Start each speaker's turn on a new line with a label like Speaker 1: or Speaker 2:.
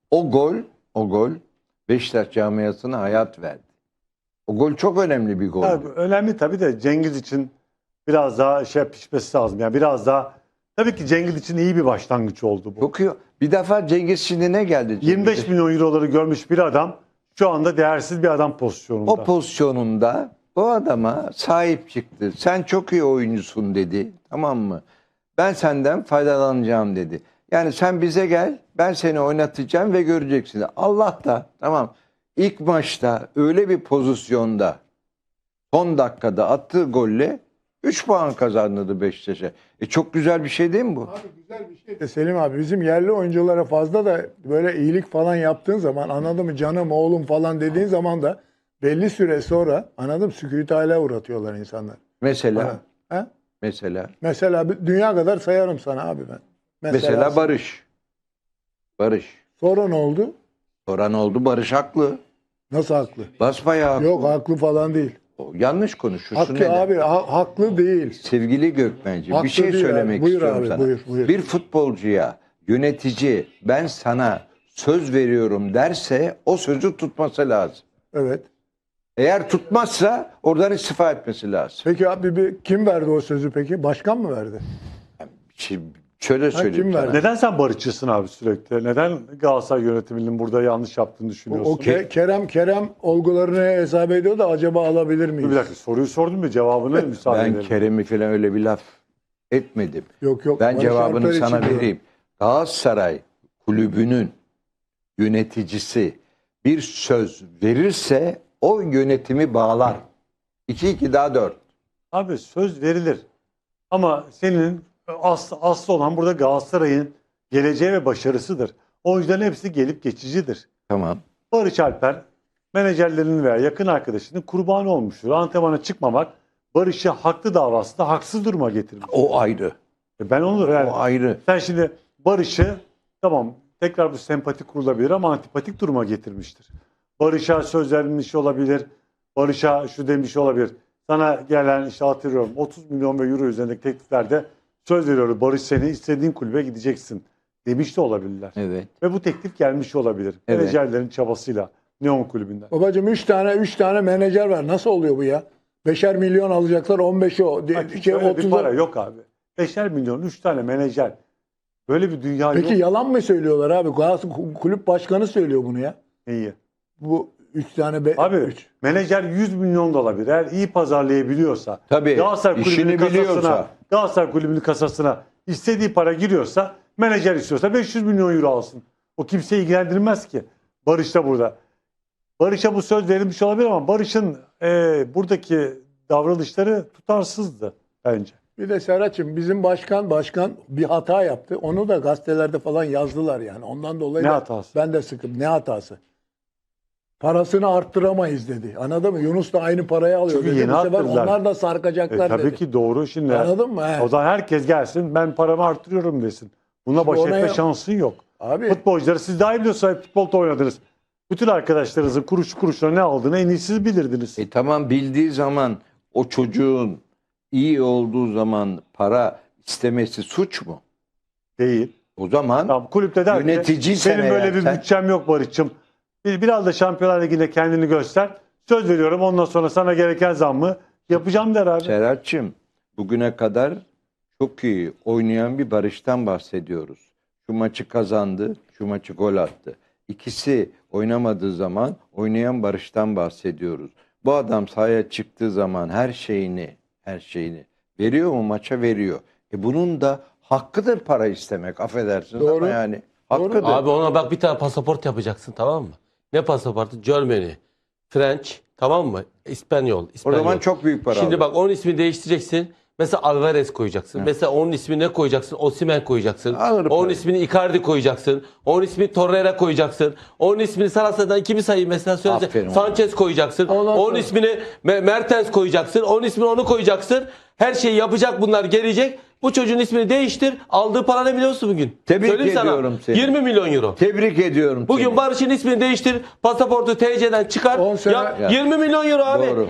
Speaker 1: O gol Beşiktaş camiasına hayat verdi. O gol çok önemli bir gol.
Speaker 2: Önemli tabii de Cengiz için biraz daha pişmesi lazım. Yani biraz daha tabii ki Cengiz için iyi bir başlangıç oldu bu.
Speaker 1: Çok iyi. Bir defa Cengiz şimdi ne geldi?
Speaker 2: 25 milyon euroları görmüş bir adam şu anda değersiz bir adam pozisyonunda.
Speaker 1: O pozisyonunda o adama sahip çıktı. Sen çok iyi oyuncusun dedi. Tamam mı? Ben senden faydalanacağım dedi. Yani sen bize gel, ben seni oynatacağım ve göreceksin. Allah da tamam. İlk maçta öyle bir pozisyonda son dakikada attığı golle 3 puan kazandırdı Beşiktaş'a. Çok güzel bir şey değil mi bu?
Speaker 3: Abi güzel bir şey de Selim abi, bizim yerli oyunculara fazla da böyle iyilik falan yaptığın zaman, anladın mı, canım oğlum falan dediğin zaman da belli süre sonra, anladın mı, sükût-i uğratıyorlar insanlar.
Speaker 1: Mesela
Speaker 3: He?
Speaker 1: mesela
Speaker 3: dünya kadar sayarım sana abi ben.
Speaker 1: mesela Barış.
Speaker 3: Sonra ne oldu?
Speaker 1: Soran oldu, Barış haklı.
Speaker 3: Nasıl haklı?
Speaker 1: Basbayağı haklı.
Speaker 3: Yok, haklı falan değil.
Speaker 1: Yanlış konuşuyorsun.
Speaker 3: Haklı
Speaker 1: neden?
Speaker 3: abi, haklı değil.
Speaker 1: Sevgili Gökmenci,
Speaker 3: Haklı
Speaker 1: bir şey
Speaker 3: değil
Speaker 1: söylemek
Speaker 3: abi. Buyur
Speaker 1: istiyorum
Speaker 3: abi,
Speaker 1: sana.
Speaker 3: buyur.
Speaker 1: Bir futbolcuya yönetici ben sana söz veriyorum derse o sözü tutması lazım.
Speaker 3: Evet.
Speaker 1: Eğer tutmazsa oradan istifa etmesi lazım.
Speaker 3: Peki abi kim verdi o sözü peki? Başkan mı verdi?
Speaker 1: Şimdi şöyle söyleyeyim
Speaker 3: kim
Speaker 1: sana.
Speaker 3: verdi?
Speaker 2: Neden sen barışçısın abi sürekli? Neden Galatasaray yönetiminin burada yanlış yaptığını düşünüyorsun?
Speaker 3: Kerem olgularını hesap ediyor da acaba alabilir miyiz?
Speaker 2: Bir dakika, soruyu sordum ve cevabını müsaade
Speaker 1: Ben
Speaker 2: edelim.
Speaker 1: Kerem'i falan öyle bir laf etmedim.
Speaker 3: Yok.
Speaker 1: Ben
Speaker 3: Barış
Speaker 1: cevabını
Speaker 3: Alper
Speaker 1: sana
Speaker 3: için diyorum.
Speaker 1: vereyim. Galatasaray kulübünün yöneticisi bir söz verirse o yönetimi bağlar. 2-2 daha 4.
Speaker 2: Abi söz verilir. Ama senin aslı olan burada Galatasaray'ın geleceği ve başarısıdır. Oyuncuların hepsi gelip geçicidir.
Speaker 1: Tamam.
Speaker 2: Barış Alper menajerlerinin veya yakın arkadaşının kurbanı olmuştur. Antrenmana çıkmamak Barış'ı haklı davasında haksız duruma getirmiş.
Speaker 1: O ayrı.
Speaker 2: Ben onu yani
Speaker 1: O ayrı.
Speaker 2: sen şimdi Barış'ı tamam tekrar bu sempati kurulabilir ama antipatik duruma getirmiştir. Barış'a söz vermiş olabilir. Barış'a şu demiş olabilir. Sana gelen işte hatırlıyorum 30 milyon ve euro üzerindeki tekliflerde söz veriyorum. Barış seni istediğin kulübe gideceksin demiş de olabilirler.
Speaker 1: Evet.
Speaker 2: Ve bu teklif gelmiş olabilir.
Speaker 1: Evet.
Speaker 2: Menajerlerin çabasıyla Neon kulübünden.
Speaker 3: Babacığım 3 tane menajer var. Nasıl oluyor bu ya? 5'er milyon alacaklar, 15'i o.
Speaker 2: Öyle bir para yok abi. 5'er milyon 3 tane menajer. Böyle bir dünya
Speaker 3: Peki
Speaker 2: yok.
Speaker 3: yalan mı söylüyorlar abi? Galatasaray kulüp başkanı söylüyor bunu ya.
Speaker 2: İyi.
Speaker 3: Bu 3 tane
Speaker 2: Abi menajer 100 milyon da olabilir. Eğer iyi pazarlayabiliyorsa,
Speaker 1: Tabii,
Speaker 2: Galatasaray
Speaker 1: işini biliyorsa.
Speaker 2: Galatasaray kulübünün kasasına istediği para giriyorsa, menajer istiyorsa 500 milyon euro alsın. O kimseyi ilgilendirmez ki. Barış da burada. Barış'a bu söz verilmiş olabilir ama Barış'ın buradaki davranışları tutarsızdı bence.
Speaker 3: Bir de Serhat'cığım, bizim başkan bir hata yaptı. Onu da gazetelerde falan yazdılar yani. Ondan dolayı
Speaker 2: Ne
Speaker 3: da
Speaker 2: hatası?
Speaker 3: ben de sıkım. Ne hatası? Parasını arttıramayız dedi. Anladın mı? Yunus da aynı parayı alıyor
Speaker 2: Çünkü
Speaker 3: dedi.
Speaker 2: yeni
Speaker 3: Bu sefer
Speaker 2: arttırdılar.
Speaker 3: onlar da sarkacaklar
Speaker 2: Tabii
Speaker 3: dedi.
Speaker 2: ki doğru. Şimdi
Speaker 3: Anladın mı? He.
Speaker 2: o zaman herkes gelsin ben paramı arttırıyorum desin. Buna baş
Speaker 3: ona
Speaker 2: etme
Speaker 3: ya-
Speaker 2: şansın yok.
Speaker 3: Abi
Speaker 2: Futbolcuları siz daha iyi biliyorsunuz futbolda oynadınız. Bütün arkadaşlarınızın kuruşuna ne aldığını en iyi siz bilirdiniz.
Speaker 1: Tamam, bildiği zaman o çocuğun iyi olduğu zaman para istemesi suç mu?
Speaker 2: Değil.
Speaker 1: O zaman
Speaker 2: Tamam, kulüpte der ki
Speaker 1: yöneticiysen
Speaker 2: benim böyle
Speaker 1: eğer
Speaker 2: bir
Speaker 1: sen-
Speaker 2: bütçem yok Barış'cığım. Biraz da Şampiyonlar Ligi'nde kendini göster. Söz veriyorum ondan sonra sana gereken zammı yapacağım der abi.
Speaker 1: Serhat'cığım, bugüne kadar çok iyi oynayan bir Barış'tan bahsediyoruz. Şu maçı kazandı, şu maçı gol attı. İkisi oynamadığı zaman oynayan Barış'tan bahsediyoruz. Bu adam sahaya çıktığı zaman her şeyini veriyor mu, maça veriyor. Bunun da hakkıdır para istemek, affedersiniz
Speaker 3: Doğru.
Speaker 1: ama yani hakkıdır.
Speaker 4: Abi ona bak, bir tane pasaport yapacaksın, tamam mı? Ne pasaportu? Germany, French, tamam mı? İspanyol.
Speaker 1: O zaman çok büyük para
Speaker 4: Şimdi
Speaker 1: alır.
Speaker 4: bak, onun ismini değiştireceksin. Mesela Alvarez koyacaksın. Mesela onun ismini ne koyacaksın? Osimhen koyacaksın.
Speaker 1: Alır
Speaker 4: Onun
Speaker 1: parayı.
Speaker 4: ismini Icardi koyacaksın. Onun ismini Torreira koyacaksın. Onun ismini Sarasa'dan kimi sayayım mesela söylese.
Speaker 1: Aferin
Speaker 4: Sanchez koyacaksın.
Speaker 3: Ondan
Speaker 4: Onun
Speaker 3: sonra-
Speaker 4: ismini Mertens koyacaksın. Onun ismini onu koyacaksın. Her şeyi yapacak, bunlar gelecek. Bu çocuğun ismini değiştir. Aldığı para ne biliyor musun bugün?
Speaker 1: Tebrik
Speaker 4: Söyleyeyim sana.
Speaker 1: ediyorum seni.
Speaker 4: 20 milyon euro.
Speaker 1: Tebrik ediyorum
Speaker 4: Bugün
Speaker 1: seni.
Speaker 4: Barış'ın ismini değiştir. Pasaportu TC'den çıkar.
Speaker 3: 10 sene-
Speaker 4: Ya 20 milyon euro abi.
Speaker 1: Doğru.